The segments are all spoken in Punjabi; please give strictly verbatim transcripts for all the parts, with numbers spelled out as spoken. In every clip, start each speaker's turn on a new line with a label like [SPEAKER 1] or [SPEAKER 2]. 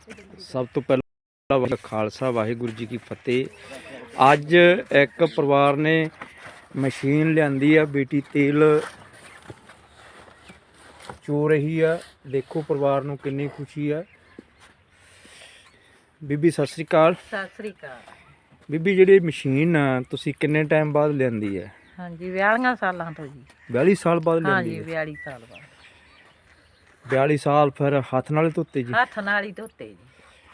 [SPEAKER 1] ਸਭ ਤੋਂ ਪਹਿਲਾਂ ਵਾਹਿਗੁਰੂ ਖਾਲਸਾ ਵਾਹਿਗੁਰੂ ਜੀ ਕੀ ਫਤਿਹ। ਅੱਜ ਇੱਕ ਪਰਿਵਾਰ ਨੇ ਮਸ਼ੀਨ ਲਿਆਂਦੀ ਆ, ਬੇਟੀ ਤੇਲ ਚੋ ਰਹੀ ਆ। ਦੇਖੋ ਪਰਿਵਾਰ ਨੂੰ ਕਿੰਨੀ ਖੁਸ਼ੀ ਆ। ਬੀਬੀ ਸਤਿ ਸ੍ਰੀ ਅਕਾਲ।
[SPEAKER 2] ਸਤਿ ਸ੍ਰੀ ਅਕਾਲ
[SPEAKER 1] ਬੀਬੀ, ਜਿਹੜੀ ਮਸ਼ੀਨ ਆ ਤੁਸੀਂ ਕਿੰਨੇ ਟਾਈਮ ਬਾਅਦ ਲਿਆਂਦੀ ਹੈ?
[SPEAKER 2] ਹਾਂਜੀ ਬਿਆਲੀਆਂ ਸਾਲਾਂ ਤੋਂ ਜੀ।
[SPEAKER 1] ਬਿਆਲੀ ਸਾਲ ਬਾਅਦ ਲਿਆਂਦੀ
[SPEAKER 2] ਹਾਂਜੀ
[SPEAKER 1] ਹੈ?
[SPEAKER 2] ਬਿਆਲੀ ਸਾਲ ਬਾਅਦ।
[SPEAKER 1] ਬਿਆਲੀ ਸਾਲ ਫਿਰ ਹੱਥ ਨਾਲ ਹੀ ਧੋਤੇ ਜੀ?
[SPEAKER 2] ਹੱਥ ਨਾਲ ਹੀ ਧੋਤੇ ਜੀ।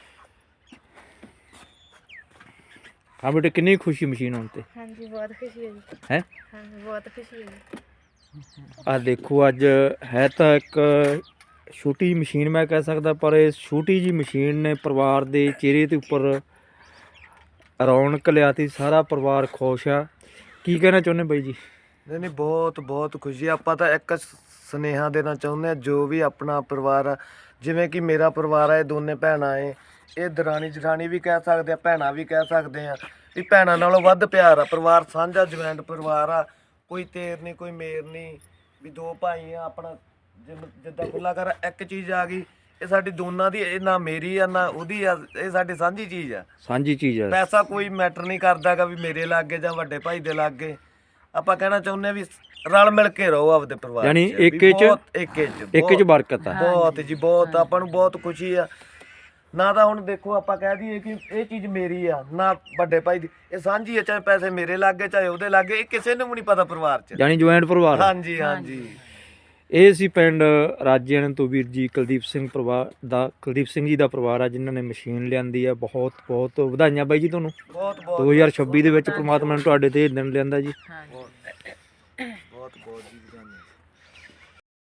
[SPEAKER 1] ਹਾਂ ਬੇਟੇ, ਕਿੰਨੀ ਖੁਸ਼ੀ ਮਸ਼ੀਨ ਆਉਣ ਤੇ?
[SPEAKER 3] ਹਾਂਜੀ ਬਹੁਤ ਖੁਸ਼ੀ ਹੋਈ
[SPEAKER 1] ਹੈ।
[SPEAKER 3] ਹਾਂਜੀ ਬਹੁਤ ਖੁਸ਼ੀ ਹੋਈ।
[SPEAKER 1] ਆ ਦੇਖੋ, ਅੱਜ ਹੈ ਤਾਂ ਇੱਕ ਛੋਟੀ ਮਸ਼ੀਨ ਮੈਂ ਕਹਿ ਸਕਦਾ, ਪਰ ਇਸ ਛੋਟੀ ਜੀ ਮਸ਼ੀਨ ਨੇ ਪਰਿਵਾਰ ਦੇ ਚਿਹਰੇ ਦੇ ਉੱਪਰ ਰੌਣਕ ਲਿਆਤੀ। ਸਾਰਾ ਪਰਿਵਾਰ ਖੁਸ਼ ਆ। ਕੀ ਕਹਿਣਾ ਚਾਹੁੰਦੇ ਬਾਈ ਜੀ?
[SPEAKER 4] ਨਹੀਂ ਨਹੀਂ ਬਹੁਤ ਬਹੁਤ ਖੁਸ਼ੀ। ਆਪਾਂ ਤਾਂ ਇੱਕ ਸੁਨੇਹਾ ਦੇਣਾ ਚਾਹੁੰਦੇ ਹਾਂ, ਜੋ ਵੀ ਆਪਣਾ ਪਰਿਵਾਰ ਆ, ਜਿਵੇਂ ਕਿ ਮੇਰਾ ਪਰਿਵਾਰ ਆ, ਇਹ ਦੋਨੇ ਭੈਣਾਂ ਏ, ਇਹ ਦਰਾਣੀ ਜਠਾਣੀ ਵੀ ਕਹਿ ਸਕਦੇ ਆ, ਭੈਣਾਂ ਵੀ ਕਹਿ ਸਕਦੇ ਆ ਵੀ ਭੈਣਾਂ ਨਾਲੋਂ ਵੱਧ ਪਿਆਰ ਆ। ਪਰਿਵਾਰ ਸਾਂਝਾ ਜੁਆਇੰਟ ਪਰਿਵਾਰ ਆ, ਕੋਈ ਤੇਰ ਨਹੀਂ ਕੋਈ ਮੇਰ ਨਹੀਂ, ਵੀ ਦੋ ਭਾਈ ਆ। ਆਪਣਾ ਜਿ- ਜਿੱਦਾਂ ਖੁੱਲਾ ਕਰ ਇੱਕ ਚੀਜ਼ ਆ ਗਈ, ਇਹ ਸਾਡੀ ਦੋਨਾਂ ਦੀ, ਇਹ ਨਾ ਮੇਰੀ ਆ ਨਾ ਉਹਦੀ ਆ, ਇਹ ਸਾਡੀ ਸਾਂਝੀ ਚੀਜ਼ ਆ।
[SPEAKER 1] ਸਾਂਝੀ ਚੀਜ਼ ਆ।
[SPEAKER 4] ਪੈਸਾ ਕੋਈ ਮੈਟਰ ਨਹੀਂ ਕਰਦਾਗਾ ਵੀ ਮੇਰੇ ਲਾਗੇ ਜਾਂ ਵੱਡੇ ਭਾਈ ਦੇ ਲਾਗੇ। ਆਪਾਂ ਕਹਿਣਾ ਚਾਹੁੰਦੇ ਆ ਵੀ ਰਲ ਮਿਲ ਕੇ ਰਹੋ ਆਪਦੇ ਪਰਿਵਾਰ
[SPEAKER 1] ਯਾਨੀ
[SPEAKER 4] ਚ, ਵੀ
[SPEAKER 1] ਏਕੇ ਚ
[SPEAKER 4] ਬਹੁਤ ਏਕੇ ਚ
[SPEAKER 1] ਇੱਕ ਚ ਬਰਕਤ ਆ।
[SPEAKER 4] ਬਹੁਤ ਜੀ ਬਹੁਤ। ਆਪਾਂ ਨੂੰ ਬਹੁਤ ਖੁਸ਼ੀ ਆ। ਨਾ ਤਾਂ ਹੁਣ ਦੇਖੋ ਆਪਾਂ ਕਹਿ ਦਈਏ ਕਿ ਇਹ ਚੀਜ਼ ਮੇਰੀ ਆ, ਨਾ ਵੱਡੇ ਭਾਈ ਦੀ, ਇਹ ਸਾਂਝੀ ਆ। ਚਾਹੇ ਪੈਸੇ ਮੇਰੇ ਲਾਗੇ ਚਾਹੇ ਉਹਦੇ ਲਾਗੇ, ਇਹ ਕਿਸੇ ਨੂੰ ਵੀ ਨਹੀਂ ਪਤਾ ਪਰਿਵਾਰ ਚ।
[SPEAKER 1] ਯਾਨੀ ਜੁਆਇੰਟ ਪਰਿਵਾਰ ਆ।
[SPEAKER 4] ਹਾਂਜੀ ਹਾਂਜੀ।
[SPEAKER 1] ਇਹ ਸੀ ਪਿੰਡ ਰਾਜੇਆਣਾ ਤੋਂ ਵੀਰ ਜੀ ਕੁਲਦੀਪ ਸਿੰਘ ਪਰਿਵਾਰ ਦਾ, ਕੁਲਦੀਪ ਸਿੰਘ ਜੀ ਦਾ ਪਰਿਵਾਰ ਆ, ਜਿਨ੍ਹਾਂ ਨੇ ਮਸ਼ੀਨ ਲਿਆਂਦੀ ਆ। ਬਹੁਤ ਬਹੁਤ ਵਧਾਈਆਂ ਬਾਈ ਜੀ ਤੁਹਾਨੂੰ।
[SPEAKER 4] ਬਹੁਤ ਬਹੁਤ
[SPEAKER 1] ਦੋ ਹਜ਼ਾਰ ਛੱਬੀ ਦੇ ਵਿੱਚ ਪ੍ਰਮਾਤਮਾ ਨੇ ਤੁਹਾਡੇ ਤੇ ਇਹ ਦਿਨ ਲਿਆਂਦਾ ਜੀ।
[SPEAKER 2] ਹਾਂਜੀ
[SPEAKER 4] ਬਹੁਤ ਬਹੁਤ ਜੀ।